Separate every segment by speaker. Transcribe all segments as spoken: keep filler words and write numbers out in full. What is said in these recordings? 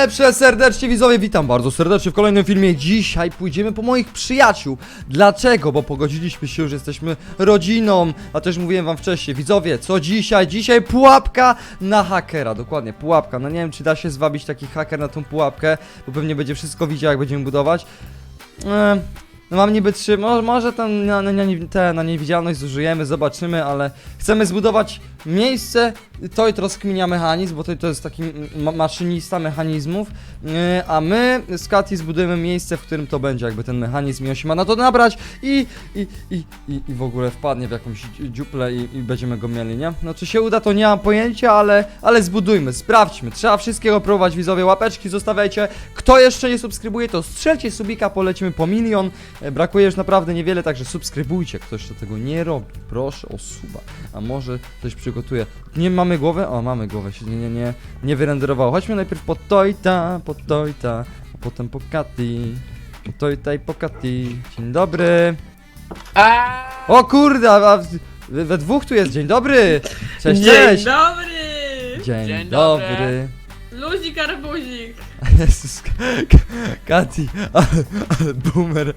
Speaker 1: Przeserdecznie widzowie, witam bardzo serdecznie w kolejnym filmie. Dzisiaj pójdziemy po moich przyjaciół. Dlaczego? Bo pogodziliśmy się, że jesteśmy rodziną. A też mówiłem wam wcześniej, widzowie, co dzisiaj? Dzisiaj pułapka na hakera, dokładnie, pułapka. No nie wiem, czy da się zwabić taki haker na tą pułapkę, bo pewnie będzie wszystko widział, jak będziemy budować. Eee... No mam niby trzy, może, może ten, na, na, te, na niewidzialność zużyjemy, zobaczymy, ale chcemy zbudować miejsce, to i rozkminia mechanizm, bo to, to jest taki ma maszynista mechanizmów, yy, a my z Kati zbudujemy miejsce, w którym to będzie jakby ten mechanizm i on się ma na to nabrać i, i, i, i, i w ogóle wpadnie w jakąś dziuplę i, i będziemy go mieli, nie? No czy się uda, to nie mam pojęcia, ale, ale zbudujmy, sprawdźmy, trzeba wszystkiego próbować, widzowie, łapeczki zostawiajcie, kto jeszcze nie subskrybuje, to strzelcie subika, polecimy po milion. Brakuje już naprawdę niewiele, także subskrybujcie. Ktoś to tego nie robi, proszę o suba. A może coś przygotuje. Nie mamy głowy? O, mamy głowę, się nie, nie, nie, nie wyrenderowało. Chodźmy najpierw po Tojta, po Tojta, a potem po Kati. Po Tojta i po Kati. Dzień dobry. O kurde, a we, we dwóch tu jest. Dzień dobry. Cześć, cześć.
Speaker 2: Dzień dobry.
Speaker 1: Dzień,
Speaker 3: Dzień
Speaker 1: dobry.
Speaker 3: dobry.
Speaker 2: Luzik arbuzik.
Speaker 1: Jezus, Kati, ale, ale boomer.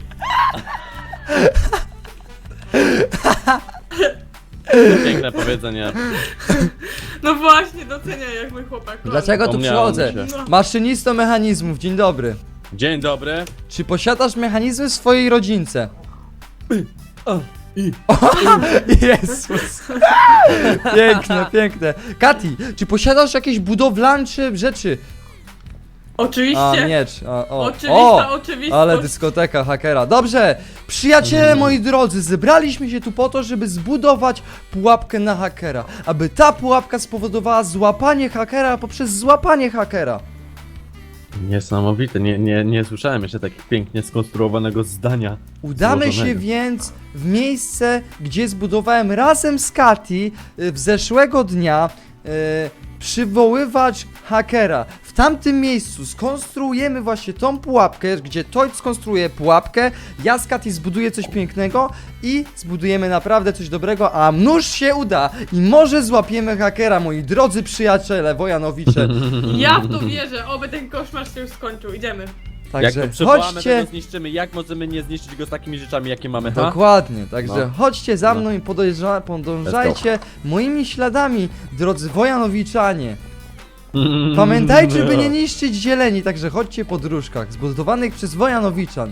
Speaker 3: Piękne powiedzenie.
Speaker 2: No właśnie, doceniaj jak mój chłopak.
Speaker 1: Dlaczego tu
Speaker 3: Wspomniałem
Speaker 1: przychodzę?
Speaker 3: mi się.
Speaker 2: No.
Speaker 1: Maszynisto mechanizmów, dzień dobry.
Speaker 3: Dzień dobry.
Speaker 1: Czy posiadasz mechanizmy w swojej rodzince?
Speaker 3: O, i.
Speaker 1: Jezus. Piękne, piękne. Kati, czy posiadasz jakieś budowlańcze rzeczy?
Speaker 2: Oczywiście.
Speaker 1: A, miecz. A, o.
Speaker 2: Oczywista
Speaker 1: o,
Speaker 2: oczywistość.
Speaker 1: ale dyskoteka hakera. Dobrze, przyjaciele moi drodzy, zebraliśmy się tu po to, żeby zbudować pułapkę na hakera. Aby ta pułapka spowodowała złapanie hakera poprzez złapanie hakera.
Speaker 3: Niesamowite, nie, nie, nie słyszałem jeszcze takich pięknie skonstruowanego zdania.
Speaker 1: Udamy się
Speaker 3: złożonego.
Speaker 1: więc w miejsce, gdzie zbudowałem razem z Kati y, w zeszłego dnia y, przywoływacz hakera. W tamtym miejscu skonstruujemy właśnie tą pułapkę, gdzie Toid skonstruuje pułapkę, ja z Kati zbuduję coś pięknego i zbudujemy naprawdę coś dobrego, a nuż się uda i może złapiemy hakera, moi drodzy przyjaciele, Wojanowicze.
Speaker 2: Ja w to wierzę, oby ten koszmar się już skończył. Idziemy.
Speaker 3: Jak
Speaker 1: Także
Speaker 3: to przywołamy,
Speaker 1: chodźcie.
Speaker 3: to go zniszczymy. Jak możemy nie zniszczyć go z takimi rzeczami, jakie mamy, ha?
Speaker 1: Dokładnie, także
Speaker 3: No.
Speaker 1: chodźcie za
Speaker 3: No.
Speaker 1: mną i podąża, podążajcie moimi śladami, drodzy Wojanowiczanie. Pamiętajcie, by nie niszczyć zieleni, także chodźcie po dróżkach zbudowanych przez Wojanowiczan.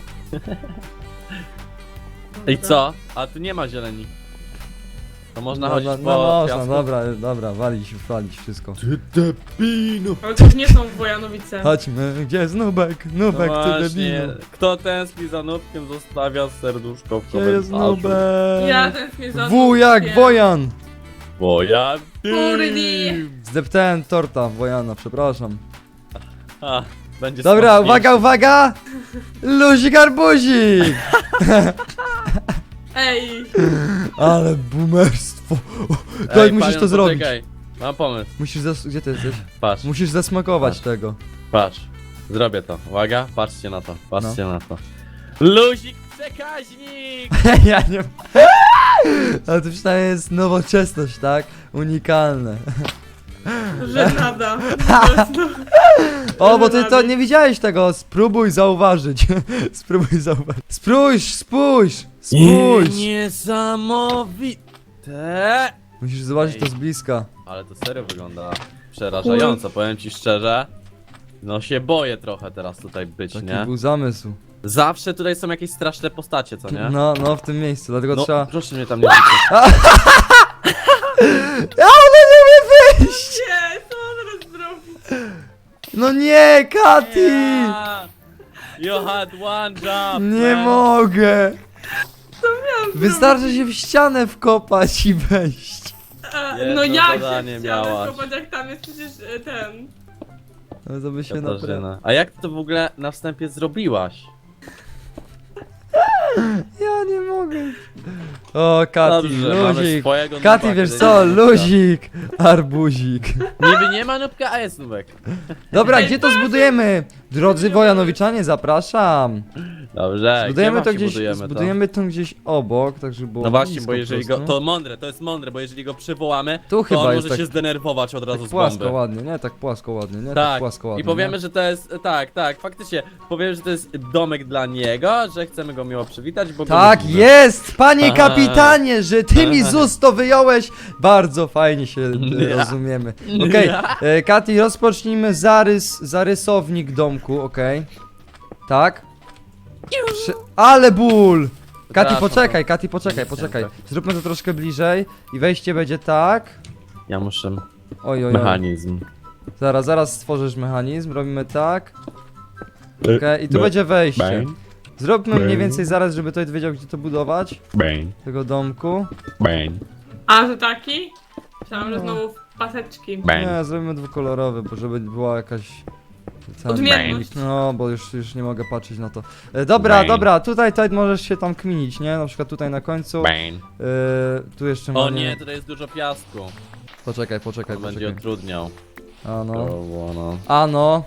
Speaker 3: I co? A tu nie ma zieleni. To można
Speaker 1: No,
Speaker 3: chodzić
Speaker 1: no,
Speaker 3: po
Speaker 1: no można,
Speaker 3: piasku?
Speaker 1: dobra, dobra, walić, walić wszystko.
Speaker 3: Ty debino.
Speaker 2: Ale to już nie są Wojanowice.
Speaker 1: Chodźmy, gdzie jest Nubek?
Speaker 3: No
Speaker 1: Nubek, ty
Speaker 3: właśnie,
Speaker 1: debinu.
Speaker 3: kto tęskni za nubkiem, zostawia serduszko w
Speaker 1: Gdzie jest
Speaker 3: komentarzu.
Speaker 1: Nubek?
Speaker 2: Ja tęsknię za
Speaker 1: W jak
Speaker 2: Nubkiem.
Speaker 1: Wojan!
Speaker 3: Bo ja...
Speaker 2: Kurdi.
Speaker 1: Zdeptałem torta Wojana, przepraszam.
Speaker 3: A, będzie
Speaker 1: Dobra,
Speaker 3: smaczniejszy.
Speaker 1: uwaga, uwaga! Luzik arbuzik!
Speaker 2: Ej.
Speaker 1: Ale boomerstwo.
Speaker 3: Ej,
Speaker 1: Toid, musisz
Speaker 3: panią,
Speaker 1: to zrobić.
Speaker 3: poczekaj. Mam pomysł.
Speaker 1: Musisz zas... Gdzie ty jesteś?
Speaker 3: Patrz,
Speaker 1: Musisz zasmakować
Speaker 3: Patrz.
Speaker 1: tego.
Speaker 3: patrz. Zrobię to. Uwaga, patrzcie na to. Patrzcie
Speaker 1: No.
Speaker 3: na to. Luzik przekaźnik!
Speaker 1: Ja nie... Ale to przynajmniej jest nowoczesność, tak? Unikalne.
Speaker 2: Że nada.
Speaker 1: O, bo ty to nie widziałeś tego. Spróbuj zauważyć. Spróbuj zauważyć. Spójrz, spójrz! Spójrz!
Speaker 3: Niesamowite!
Speaker 1: Musisz zobaczyć to z bliska.
Speaker 3: Ale to serio wygląda przerażająco, powiem ci szczerze. No się boję trochę teraz tutaj być,
Speaker 1: Taki
Speaker 3: nie?
Speaker 1: był zamysł.
Speaker 3: Zawsze tutaj są jakieś straszne postacie, co nie?
Speaker 1: No, no, w tym miejscu, dlatego
Speaker 3: No,
Speaker 1: trzeba...
Speaker 3: proszę mnie tam nie widzieć.
Speaker 1: Ja ona nie umie wyjść!
Speaker 2: Nie, co on teraz zrobić?
Speaker 1: No nie, Kati!
Speaker 3: Yeah. You had one job!
Speaker 1: Nie
Speaker 3: man.
Speaker 1: mogę!
Speaker 2: Co miałam
Speaker 1: Wystarczy się w ścianę wkopać i wejść.
Speaker 2: A,
Speaker 3: Jedno
Speaker 2: no jak się
Speaker 3: zadanie
Speaker 2: chciałem
Speaker 3: miałaś.
Speaker 2: zobacz, jak tam jest przecież e, ten.
Speaker 1: No to by się naprawdę...
Speaker 3: Katarzyna. A jak ty to w ogóle na wstępie zrobiłaś?
Speaker 1: Ja nie mogę. O, Kati,
Speaker 3: Dobrze, mamy
Speaker 1: luzik.
Speaker 3: swojego
Speaker 1: Kati,
Speaker 3: nubka,
Speaker 1: wiesz
Speaker 3: kiedy
Speaker 1: co,
Speaker 3: nie ma nubka.
Speaker 1: luzik, arbuzik.
Speaker 3: Niby nie ma nubka, a jest nubek.
Speaker 1: Dobra, gdzie to zbudujemy? Drodzy Wojanowiczanie, zapraszam.
Speaker 3: Dobrze,
Speaker 1: Zbudujemy
Speaker 3: gdzie
Speaker 1: to
Speaker 3: właśnie
Speaker 1: gdzieś,
Speaker 3: budujemy to?
Speaker 1: zbudujemy to gdzieś obok, tak żeby było
Speaker 3: No właśnie,
Speaker 1: blisko
Speaker 3: bo
Speaker 1: po
Speaker 3: jeżeli
Speaker 1: prostu.
Speaker 3: go, to mądre, to jest mądre, bo jeżeli go przywołamy,
Speaker 1: Tu
Speaker 3: to
Speaker 1: chyba
Speaker 3: on
Speaker 1: jest
Speaker 3: może
Speaker 1: tak-
Speaker 3: się zdenerwować od razu
Speaker 1: Tak
Speaker 3: z
Speaker 1: płasko
Speaker 3: bomby.
Speaker 1: ładnie, nie? Tak płasko ładnie, nie? Tak
Speaker 3: Tak,
Speaker 1: płasko ładnie.
Speaker 3: i powiemy,
Speaker 1: nie?
Speaker 3: że to jest, tak, tak, faktycznie, powiemy, że to jest domek dla niego, że chcemy go miło przywitać, bo go
Speaker 1: Tak
Speaker 3: lubimy.
Speaker 1: jest, panie
Speaker 3: Aha.
Speaker 1: kapitanie, że ty mi z ust to wyjąłeś. Bardzo fajnie się e,
Speaker 3: Ja.
Speaker 1: rozumiemy. Okej,
Speaker 3: Ja.
Speaker 1: e, Kati, rozpocznijmy zarys, zarysownik domku, okej. Tak? Przy... Ale ból! Kati,
Speaker 3: Przepraszam,
Speaker 1: poczekaj, Kati, poczekaj,
Speaker 3: Nic
Speaker 1: poczekaj.
Speaker 3: nie,
Speaker 1: Zróbmy to troszkę bliżej i wejście będzie tak.
Speaker 3: Ja muszę
Speaker 1: Oj, oj, oj.
Speaker 3: mechanizm.
Speaker 1: Zaraz, zaraz stworzysz mechanizm, robimy tak. Okej, i tu będzie wejście. Zróbmy mniej więcej zaraz, żeby ktoś wiedział, gdzie to budować.
Speaker 4: Bang,
Speaker 1: Tego domku.
Speaker 4: bang,
Speaker 2: A, że taki? Myślałam, że
Speaker 1: No.
Speaker 2: znowu paseczki.
Speaker 4: bang.
Speaker 1: Nie, zrobimy dwukolorowy, bo żeby była jakaś... ten-
Speaker 2: Odmienność.
Speaker 1: No, bo już, już nie mogę patrzeć na to. E, dobra,
Speaker 4: Bang.
Speaker 1: dobra, tutaj, tutaj możesz się tam kminić, nie? Na przykład tutaj na końcu.
Speaker 4: Bang.
Speaker 1: E, tu jeszcze
Speaker 3: O
Speaker 1: mamy...
Speaker 3: nie, tutaj jest dużo piasku.
Speaker 1: Poczekaj, poczekaj,
Speaker 3: To będzie
Speaker 1: poczekaj.
Speaker 3: utrudniał.
Speaker 1: A
Speaker 3: To
Speaker 1: no.
Speaker 3: było, no.
Speaker 1: Ano.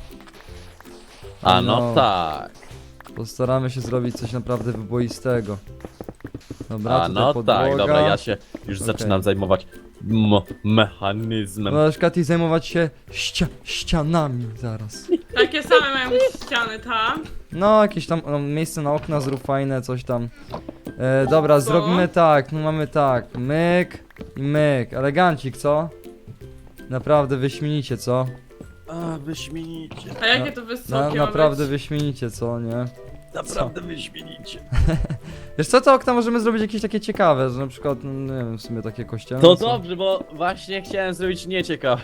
Speaker 3: A no tak.
Speaker 1: Postaramy się zrobić coś naprawdę wyboistego. Dobra,
Speaker 3: A
Speaker 1: tutaj
Speaker 3: no
Speaker 1: podłoga.
Speaker 3: tak, dobra, ja się już
Speaker 1: Okej.
Speaker 3: zaczynam zajmować m- mechanizmem.
Speaker 1: Możesz, Katy, zajmować się ścia ścianami zaraz.
Speaker 2: Takie same mają ściany tam.
Speaker 1: No, jakieś tam no, miejsce na okna zrób fajne, coś tam. E, dobra,
Speaker 2: Co?
Speaker 1: zrobimy tak, no mamy tak, myk i myk, elegancik, co? Naprawdę wyśmienicie, co?
Speaker 3: A, wyśmienicie.
Speaker 2: A jakie to wysokie
Speaker 1: Na,
Speaker 2: ma
Speaker 1: naprawdę
Speaker 2: być?
Speaker 1: wyśmienicie, co, nie?
Speaker 3: Naprawdę wyśmienicie.
Speaker 1: Wiesz co, to okna możemy zrobić jakieś takie ciekawe, że na przykład, no, nie wiem, w sumie takie kościelne
Speaker 3: To
Speaker 1: są.
Speaker 3: dobrze, bo właśnie chciałem zrobić nieciekawe.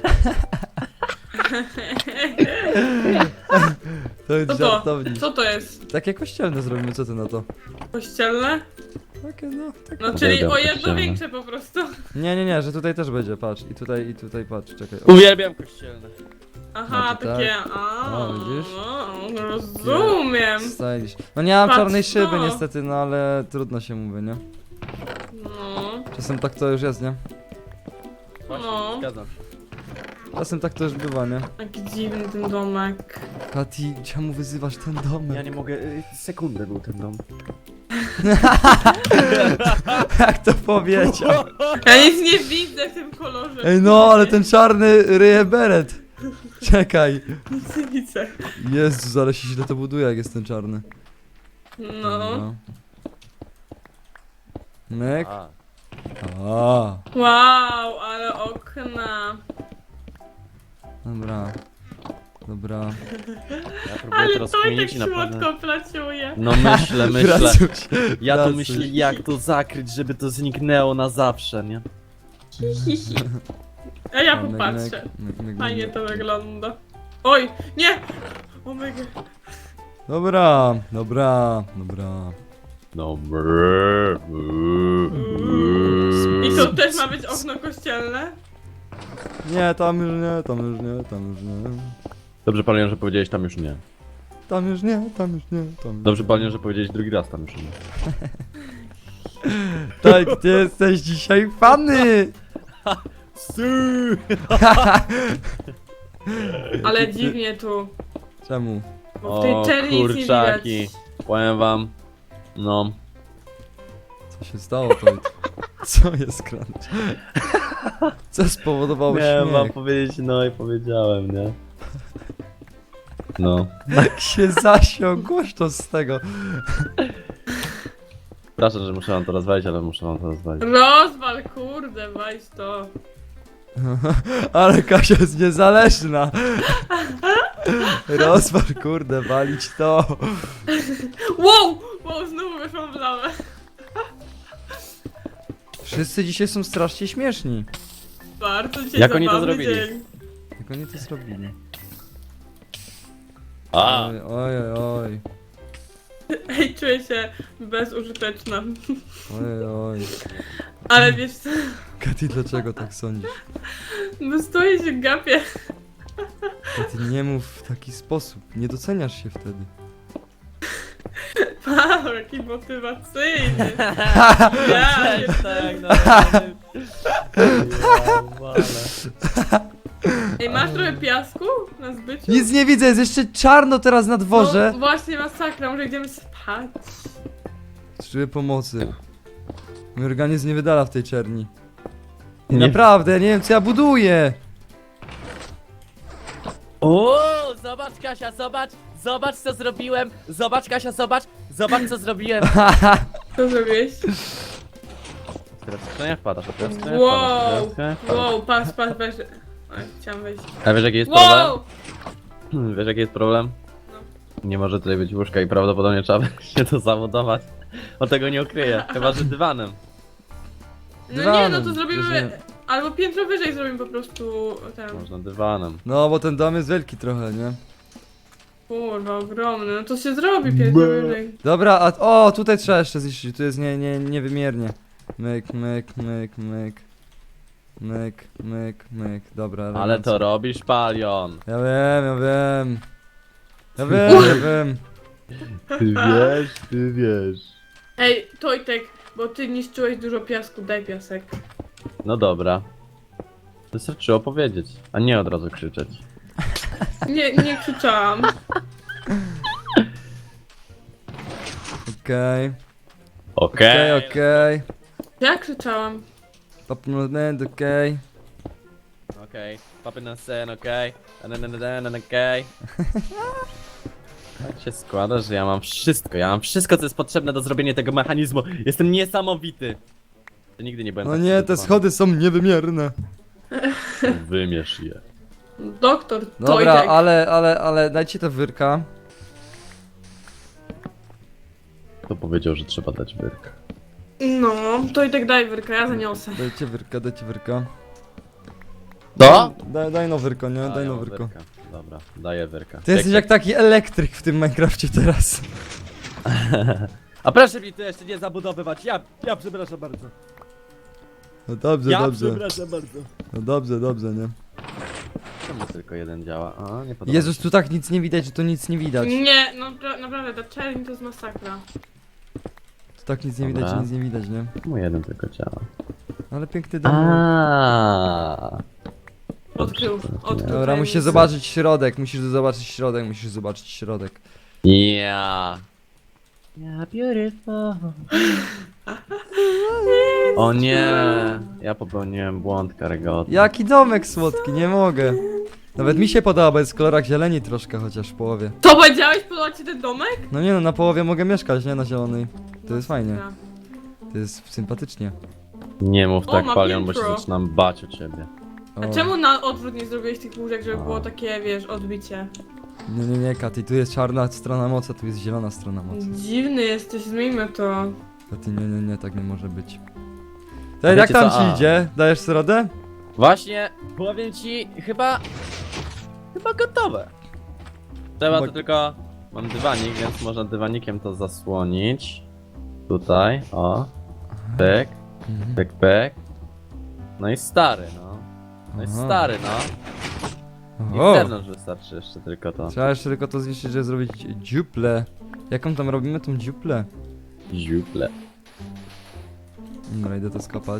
Speaker 1: To jest
Speaker 2: Co to?
Speaker 1: żartownik.
Speaker 2: Co to jest?
Speaker 1: Takie kościelne zrobimy, co ty na to?
Speaker 2: Kościelne?
Speaker 1: Takie no, tak.
Speaker 2: No czyli
Speaker 3: Uwielbiam
Speaker 2: o jedno
Speaker 3: kościelne.
Speaker 2: większe po prostu.
Speaker 1: Nie, nie, nie, że tutaj też będzie, patrz, i tutaj, i tutaj, patrz, czekaj. O,
Speaker 3: Uwielbiam kościelne.
Speaker 2: Aha,
Speaker 1: No to
Speaker 2: takie.
Speaker 1: tak.
Speaker 2: A,
Speaker 1: O, widzisz?
Speaker 2: no, rozumiem.
Speaker 1: stylish. No nie mam
Speaker 2: Patrz
Speaker 1: czarnej
Speaker 2: to.
Speaker 1: szyby niestety, no ale trudno się mówi, nie?
Speaker 2: No.
Speaker 1: Czasem tak to już jest, nie?
Speaker 3: Właśnie,
Speaker 2: No.
Speaker 3: zgadzam się.
Speaker 1: Czasem tak to już bywa, nie?
Speaker 2: Jaki dziwny ten domek.
Speaker 1: Kati, czemu wyzywasz ten domek?
Speaker 3: Ja nie mogę, y, sekundę był ten dom.
Speaker 1: Jak to powiedział?
Speaker 2: Ja nic nie widzę w tym kolorze.
Speaker 1: Ej no, ale ten czarny ryje beret. Czekaj.
Speaker 2: Nic nie widzę.
Speaker 1: Jezus, ale się źle to buduje, jak jest ten czarny.
Speaker 2: No.
Speaker 1: Myk.
Speaker 3: A,
Speaker 1: A,
Speaker 2: Wow, ale okna.
Speaker 1: dobra. Dobra.
Speaker 3: ja próbuję
Speaker 2: Ale
Speaker 3: teraz
Speaker 2: to tak
Speaker 3: kminić i naprawdę...
Speaker 2: słodko placiuje.
Speaker 3: No myślę, myślę.
Speaker 1: Pracuś,
Speaker 3: Ja tu
Speaker 1: pracuś.
Speaker 3: myślę, jak to zakryć, żeby to zniknęło na zawsze, nie?
Speaker 2: A ja
Speaker 1: A, myk,
Speaker 2: popatrzę.
Speaker 1: myk, myk, myk,
Speaker 2: Fajnie
Speaker 1: myk.
Speaker 2: to wygląda. Oj, nie! Omega.
Speaker 1: Dobra, dobra, dobra.
Speaker 3: No brrr,
Speaker 2: I to też ma być okno kościelne?
Speaker 1: Nie, tam już nie, tam już nie, tam już nie.
Speaker 3: Dobrze, panie, że powiedziałeś tam już nie.
Speaker 1: Tam już nie, tam już nie, tam już
Speaker 3: Dobrze,
Speaker 1: nie.
Speaker 3: panie, że powiedziałeś drugi raz tam już nie.
Speaker 1: Tak, ty jesteś dzisiaj fany!
Speaker 2: Ale dziwnie tu.
Speaker 1: Czemu?
Speaker 2: Bo w tej
Speaker 3: O,
Speaker 2: czerni nic nie
Speaker 3: kurczaki.
Speaker 2: widać.
Speaker 3: Powiem wam, no.
Speaker 1: Co się stało to? Co jest crunch? Co spowodowało
Speaker 3: Miałem wam
Speaker 1: śmiech?
Speaker 3: powiedzieć, no i powiedziałem, nie? No.
Speaker 1: Jak się zasiął głośno z tego.
Speaker 3: Przepraszam, że muszę wam to rozwalić, ale muszę wam to rozwalić.
Speaker 2: Rozwal, kurde, weź to.
Speaker 1: Ale Kasia jest niezależna. Rozwal, kurde, walić to.
Speaker 2: Wow! Wow, znowu weszłam w lawę.
Speaker 1: Wszyscy dzisiaj są strasznie śmieszni.
Speaker 2: Bardzo dzisiaj
Speaker 3: Jak oni to
Speaker 2: zabawny
Speaker 3: zrobili?
Speaker 2: dzień.
Speaker 1: Jak oni to zrobili?
Speaker 3: A!
Speaker 1: Oj, oj, oj, oj.
Speaker 2: Ej, czuję się bezużyteczna.
Speaker 1: Oj, oj.
Speaker 2: Ale wiesz co?
Speaker 1: Katy, dlaczego tak sądzisz?
Speaker 2: No stoję się gapię.
Speaker 1: Katy, nie mów w taki sposób. Nie doceniasz się wtedy.
Speaker 2: Wow, jaki motywacyjny. Ja,
Speaker 3: Cześć, tak, no. Ja, wale.
Speaker 2: Ej, masz trochę piasku na zbyciu?
Speaker 1: Nic nie widzę, jest jeszcze czarno teraz na dworze.
Speaker 2: No, właśnie masakra, może idziemy spać.
Speaker 1: Potrzebuję pomocy. Mój organizm nie wydala w tej czerni. I
Speaker 3: Nie.
Speaker 1: naprawdę, ja nie wiem co ja buduję.
Speaker 3: O, zobacz Kasia, zobacz, zobacz co zrobiłem. Zobacz Kasia, zobacz, zobacz co zrobiłem.
Speaker 2: Co zrobiłeś?
Speaker 3: Teraz to nie wpadasz, a teraz to nie
Speaker 2: Wow,
Speaker 3: wpadasz.
Speaker 2: wow, pas, pas, weź. Oj, chciałam wejść.
Speaker 3: A wiesz jaki jest problem?
Speaker 2: Wow!
Speaker 3: Wiesz jaki jest problem? Nie może tutaj być łóżka i prawdopodobnie trzeba się to zabudować. O tego nie ukryję, chyba że dywanem.
Speaker 2: No nie, no
Speaker 1: Dywanem,
Speaker 2: to zrobimy...
Speaker 1: rozumiem.
Speaker 2: Albo piętro wyżej zrobimy po prostu ten...
Speaker 3: Można dywanem.
Speaker 1: No bo ten dom jest wielki trochę, nie?
Speaker 2: Kurwa, ogromny, no to się zrobi piętro wyżej.
Speaker 1: Dobra, a o, tutaj trzeba jeszcze zniszczyć, tu jest nie, nie, niewymiernie. Myk, myk, myk, myk. Myk, myk, myk, dobra.
Speaker 3: Ale
Speaker 1: elegancko.
Speaker 3: to robisz palion.
Speaker 1: Ja wiem, ja wiem. Ja wiem, ja wiem.
Speaker 3: Ty wiesz, ty wiesz.
Speaker 2: Ej, Tojtek, bo ty niszczyłeś dużo piasku, daj piasek.
Speaker 3: No dobra. Wystarczyło powiedzieć, a nie od razu krzyczeć.
Speaker 2: Nie, nie krzyczałam.
Speaker 1: Okej,
Speaker 3: Okej,
Speaker 1: okej, okej.
Speaker 2: Ja krzyczałam.
Speaker 1: Popnąłem, okej.
Speaker 3: Okej, papy na sen, okej. Okay. Okej. Tak się składa, że ja mam wszystko, ja mam wszystko co jest potrzebne do zrobienia tego mechanizmu. Jestem niesamowity. Ja nigdy nie byłem
Speaker 1: No
Speaker 3: tak
Speaker 1: nie, te
Speaker 3: przygotowany.
Speaker 1: schody są niewymierne.
Speaker 3: Wymierz je.
Speaker 2: Doktor
Speaker 1: Dobra,
Speaker 2: Tojtek.
Speaker 1: ale, ale, ale dajcie to wyrka.
Speaker 3: Kto powiedział, że trzeba dać wyrk?
Speaker 2: No, Tojtek daj wyrka, ja zaniosę.
Speaker 1: Dajcie wyrka, dajcie wyrka.
Speaker 3: To?
Speaker 1: Daj, daj no wyrko, nie? Daj no wyrko.
Speaker 3: Dobra, daję wyrka.
Speaker 1: Ty jesteś jak taki elektryk w tym Minecrafcie teraz.
Speaker 3: A proszę mi tu jeszcze nie zabudowywać, ja, ja przepraszam bardzo.
Speaker 1: No dobrze,
Speaker 3: Ja
Speaker 1: dobrze.
Speaker 3: przepraszam bardzo.
Speaker 1: No dobrze, dobrze, nie?
Speaker 3: Czemu tylko jeden działa? A, nie podoba
Speaker 1: Jezus, tu tak nic nie widać, że to nic nie widać.
Speaker 2: Nie, no pra- naprawdę, ta czerń to jest masakra.
Speaker 1: Tu tak nic nie widać, że
Speaker 3: Dobra.
Speaker 1: nic nie widać, nie?
Speaker 3: Czemu jeden tylko działa?
Speaker 1: Ale piękny dom.
Speaker 3: Aaaa.
Speaker 2: Odkrył, odkrył.
Speaker 1: Dobra,
Speaker 2: tajemnicę.
Speaker 1: musisz zobaczyć środek, musisz zobaczyć środek, musisz zobaczyć środek.
Speaker 3: Ja. Yeah, beautiful. O nie, ja popełniłem błąd karygodny.
Speaker 1: Jaki domek słodki, nie mogę. Nawet mi się podoba, bo jest w kolorach zieleni troszkę, chociaż w połowie.
Speaker 2: To powiedziałeś, podoba ci ten domek?
Speaker 1: No nie no, na połowie mogę mieszkać, nie? Na zielonej. To jest fajnie.
Speaker 2: Masakra.
Speaker 1: To jest sympatycznie.
Speaker 3: Nie mów
Speaker 2: O,
Speaker 3: tak,
Speaker 2: ma
Speaker 3: Palion, bo się
Speaker 2: piętro.
Speaker 3: zaczynam bać o ciebie.
Speaker 1: O.
Speaker 2: A czemu na odwrót nie zrobiłeś tych łóżek, żeby
Speaker 3: A.
Speaker 2: było takie, wiesz, odbicie?
Speaker 1: Nie, nie, nie, Katy, tu jest czarna strona mocy, a tu jest zielona strona mocy.
Speaker 2: Dziwny jesteś, zmieńmy to.
Speaker 1: Katy, nie, nie, nie, tak nie może być.
Speaker 3: A
Speaker 1: To jak
Speaker 3: wiecie
Speaker 1: tam
Speaker 3: co?
Speaker 1: ci
Speaker 3: A.
Speaker 1: idzie? Dajesz sobie radę?
Speaker 3: Właśnie, powiem ci, chyba... Chyba gotowe. Trzeba
Speaker 1: Chyba-
Speaker 3: to tylko... Mam dywanik, więc można dywanikiem to zasłonić. Tutaj, o. Pyk,
Speaker 1: Mhm.
Speaker 3: pyk, pyk. No i stary, no. No i
Speaker 1: Aha.
Speaker 3: stary, no. I
Speaker 1: O!
Speaker 3: z zewnątrz wystarczy jeszcze tylko to.
Speaker 1: Trzeba jeszcze tylko to zniszczyć, żeby zrobić dziuplę. Jaką tam robimy tą dziuplę?
Speaker 3: Ziuple.
Speaker 1: Dobra, idę to skopać.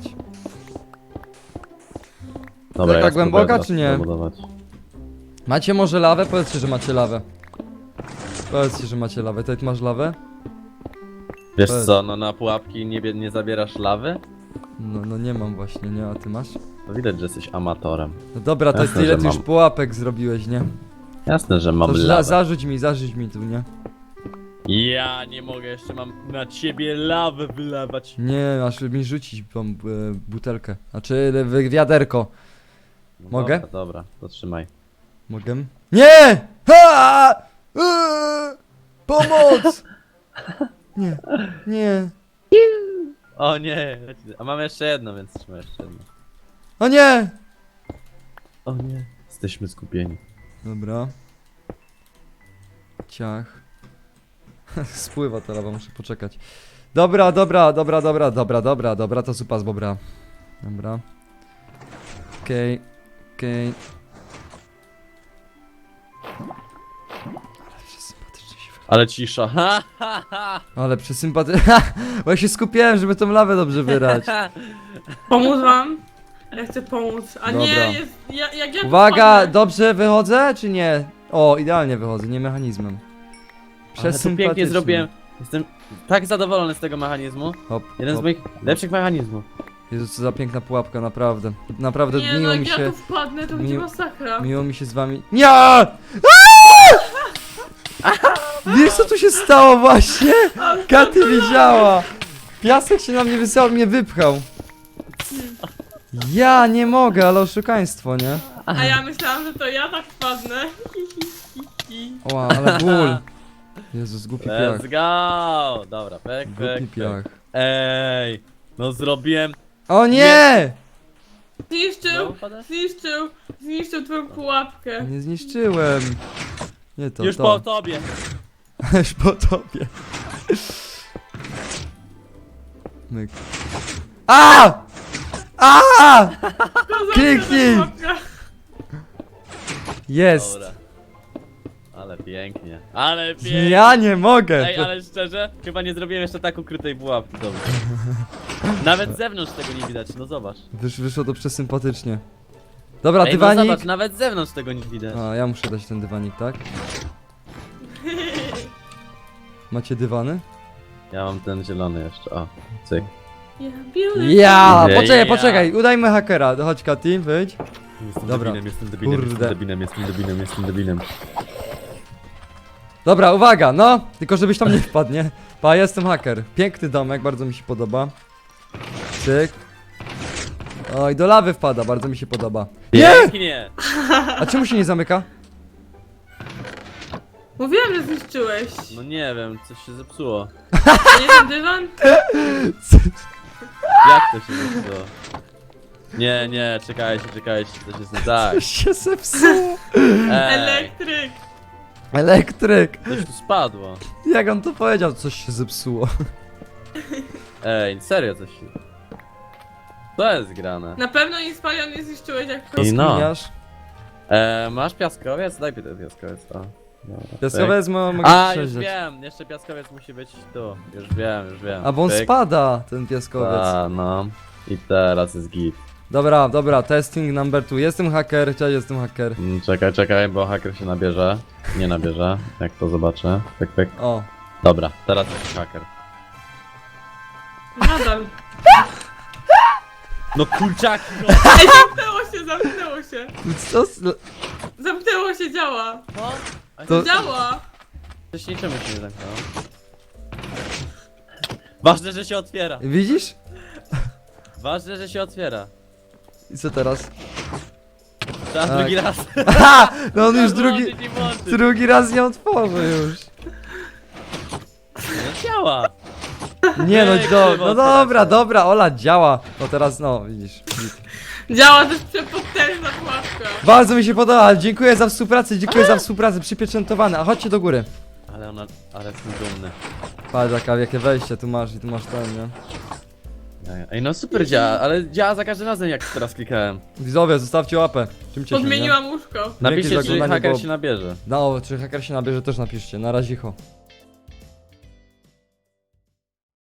Speaker 3: Dobra,
Speaker 1: Taka
Speaker 3: ja
Speaker 1: głęboka,
Speaker 3: spróbuję
Speaker 1: czy nie?
Speaker 3: teraz zabudować.
Speaker 1: Macie może lawę? Powiedzcie, że macie lawę. Powiedzcie, że macie lawę. Tutaj masz lawę?
Speaker 3: Wiesz
Speaker 1: Powiedz.
Speaker 3: co, no na pułapki nie, bie- nie zabierasz lawy?
Speaker 1: No, no nie mam właśnie, nie? A ty masz?
Speaker 3: To widać, że jesteś amatorem.
Speaker 1: No dobra, to jest
Speaker 3: Jasne,
Speaker 1: ile
Speaker 3: że
Speaker 1: ty już
Speaker 3: mam.
Speaker 1: pułapek zrobiłeś, nie?
Speaker 3: Jasne, że mam
Speaker 1: To za,
Speaker 3: lawę.
Speaker 1: zarzuć mi, zarzuć mi tu, nie?
Speaker 3: Ja nie mogę, jeszcze mam na ciebie lawę wylewać.
Speaker 1: Nie, masz mi rzucić tą e, butelkę. Znaczy wi- wiaderko.
Speaker 3: No
Speaker 1: Mogę?
Speaker 3: Dobra, dobra, to trzymaj.
Speaker 1: Mogę? Nie! Ha! Eee! Pomoc! Nie, nie.
Speaker 3: O nie, a mam jeszcze jedno, więc trzymaj jeszcze jedno.
Speaker 1: O nie!
Speaker 3: O nie, jesteśmy zgubieni.
Speaker 1: Dobra. Ciach. Spływa ta lawa, muszę poczekać. Dobra, dobra, dobra, dobra, dobra, dobra, dobra, to zupa z bobra. Dobra. Okej, okej. Ale że sympatycznie się
Speaker 3: Ale cisza. Ha, ha, ha.
Speaker 1: Ale przesympaty... Bo ja się skupiałem, żeby tą lawę dobrze wyrać.
Speaker 2: Pomóc wam? Ja chcę pomóc. A
Speaker 1: Dobra.
Speaker 2: nie, jest, ja, jak ja tu
Speaker 1: Uwaga,
Speaker 2: wpadnę-
Speaker 1: dobrze wychodzę, czy nie? O, idealnie wychodzę, nie mechanizmem.
Speaker 3: Ale to
Speaker 1: Przesympatycznie.
Speaker 3: pięknie zrobiłem. Jestem tak zadowolony z tego mechanizmu.
Speaker 1: Hop,
Speaker 3: Jeden z
Speaker 1: hop.
Speaker 3: moich lepszych mechanizmów.
Speaker 1: Jezu, co za piękna pułapka, naprawdę. Naprawdę
Speaker 2: Nie, no
Speaker 1: miło
Speaker 2: jak
Speaker 1: mi
Speaker 2: ja
Speaker 1: się...
Speaker 2: tu wpadnę, to będzie
Speaker 1: miło-
Speaker 2: masakra.
Speaker 1: Miło mi się z wami... Nie! Wiesz co tu się stało właśnie? Katy widziała! Piasek się na mnie wysłał, mnie wypchał. Ja nie mogę, ale oszukaństwo, nie?
Speaker 2: A ja myślałam, że to ja tak wpadnę.
Speaker 1: Oła, ale ból. Jezus, głupi piach.
Speaker 3: Let's go! Dobra, pek,
Speaker 1: Głupi
Speaker 3: pek, pek.
Speaker 1: piach.
Speaker 3: Ej, no zrobiłem.
Speaker 1: O nie!
Speaker 2: Zniszczył,
Speaker 3: Znowu padasz?
Speaker 2: zniszczył, zniszczył twoją pułapkę.
Speaker 1: Nie zniszczyłem. Nie to,
Speaker 3: Już
Speaker 1: to.
Speaker 3: po tobie.
Speaker 1: Już po tobie. Myk. A! A!
Speaker 2: To za
Speaker 1: Kliknij!
Speaker 2: pułapka.
Speaker 1: Jest!
Speaker 3: Dobra. Ale pięknie. Ale pięknie.
Speaker 1: Ja nie mogę!
Speaker 3: Ej, ale szczerze, chyba nie zrobiłem jeszcze tak ukrytej pułapki. Dobra. Nawet z zewnątrz tego nie widać, no zobacz.
Speaker 1: Wysz, wyszło to przesympatycznie. Dobra,
Speaker 3: Ej, no
Speaker 1: dywanik.
Speaker 3: zobacz, nawet z zewnątrz tego nie widać.
Speaker 1: A, ja muszę dać ten dywanik, tak? Macie dywany?
Speaker 3: Ja mam ten zielony jeszcze, o, cyk.
Speaker 2: Ja, beautiful.
Speaker 1: Ja!
Speaker 3: Ja.
Speaker 1: Poczekaj, poczekaj, udajmy hakera. Chodź, Katy, wyjdź.
Speaker 3: Jestem
Speaker 1: Dobra.
Speaker 3: debinem, jestem debinem,
Speaker 1: Kurde.
Speaker 3: jestem debinem, jestem debinem, jestem debinem.
Speaker 1: Dobra, uwaga, no! Tylko żebyś tam nie wpadł, nie? Pa, jestem haker. Piękny domek, bardzo mi się podoba. Cyk. Oj, do lawy wpada, bardzo mi się podoba. Nie!
Speaker 3: Pięknie!
Speaker 1: A czemu się nie zamyka?
Speaker 2: Mówiłam, że zniszczyłeś.
Speaker 3: No nie wiem, coś się zepsuło.
Speaker 2: A nie ten dywan?
Speaker 3: Jak to się zepsuło? Nie, nie, czekajcie, czekajcie, coś jest nie tak.
Speaker 1: Coś się zepsuło.
Speaker 3: Ej,
Speaker 2: Elektryk.
Speaker 1: Elektryk.
Speaker 3: coś tu spadło.
Speaker 1: Jak on to powiedział? Coś się zepsuło.
Speaker 3: Ej, serio coś się... Co jest grane?
Speaker 2: Na pewno Inspalion nie zniszczyłeś jak
Speaker 3: I no.
Speaker 1: Rozkminiasz?
Speaker 3: E, masz piaskowiec? Daj mi ten piaskowiec, o. Dobra,
Speaker 1: Piaskowiec mo-
Speaker 3: pyk.
Speaker 1: mogę
Speaker 3: A, już
Speaker 1: przejeżdżać.
Speaker 3: wiem, jeszcze piaskowiec musi być tu. Już wiem, już wiem.
Speaker 1: A bo on
Speaker 3: Pyk.
Speaker 1: spada, ten piaskowiec.
Speaker 3: A, no. I teraz jest git.
Speaker 1: Dobra, dobra, testing number two. Jestem haker, cześć, jestem haker.
Speaker 3: Mm, Czekaj, czekaj, bo haker się nabierze. Nie nabierze, jak to zobaczę. Pyk, pyk.
Speaker 1: O.
Speaker 3: Dobra, teraz jest haker.
Speaker 2: Nadal.
Speaker 3: No kurczaki, no!
Speaker 2: Ej, zamknęło się, zamknęło się.
Speaker 1: Co? s-
Speaker 2: Zamknęło się, działa.
Speaker 3: No, a
Speaker 1: To-
Speaker 3: to...
Speaker 2: Działa.
Speaker 3: Wcześniej czemu się nie zamknęło? Ważne, że się otwiera.
Speaker 1: Widzisz?
Speaker 3: Ważne, że się otwiera.
Speaker 1: I co teraz?
Speaker 3: Trzeba
Speaker 1: Tak.
Speaker 3: drugi raz.
Speaker 1: Aha! No on już drugi,
Speaker 3: Włączyć i włączyć.
Speaker 1: drugi raz nie otworzy już.
Speaker 3: No działa.
Speaker 1: Nie no,
Speaker 3: Ej,
Speaker 1: do,
Speaker 3: krzywo
Speaker 1: no dobra,
Speaker 3: teraz.
Speaker 1: dobra, Ola, działa. No teraz, no, widzisz.
Speaker 2: Działa, to jest przepotężna pułapka.
Speaker 1: Bardzo mi się podoba, dziękuję za współpracę, dziękuję za współpracę, przypieczętowane. A chodźcie do góry.
Speaker 3: Ale ona, ale jestem dumny.
Speaker 1: Patrz, jaka, jakie wejście tu masz i tu masz ten, nie?
Speaker 3: Ej, no super działa, ale działa za każdym razem jak teraz klikałem.
Speaker 1: Widzowie, zostawcie łapę. Czym się
Speaker 2: Podmieniłam łóżko.
Speaker 3: Napiszcie,
Speaker 1: za
Speaker 3: czy
Speaker 1: oglądanie,
Speaker 3: haker
Speaker 1: bo-
Speaker 3: się nabierze.
Speaker 1: No, czy haker się nabierze, też napiszcie. Na razie, ho.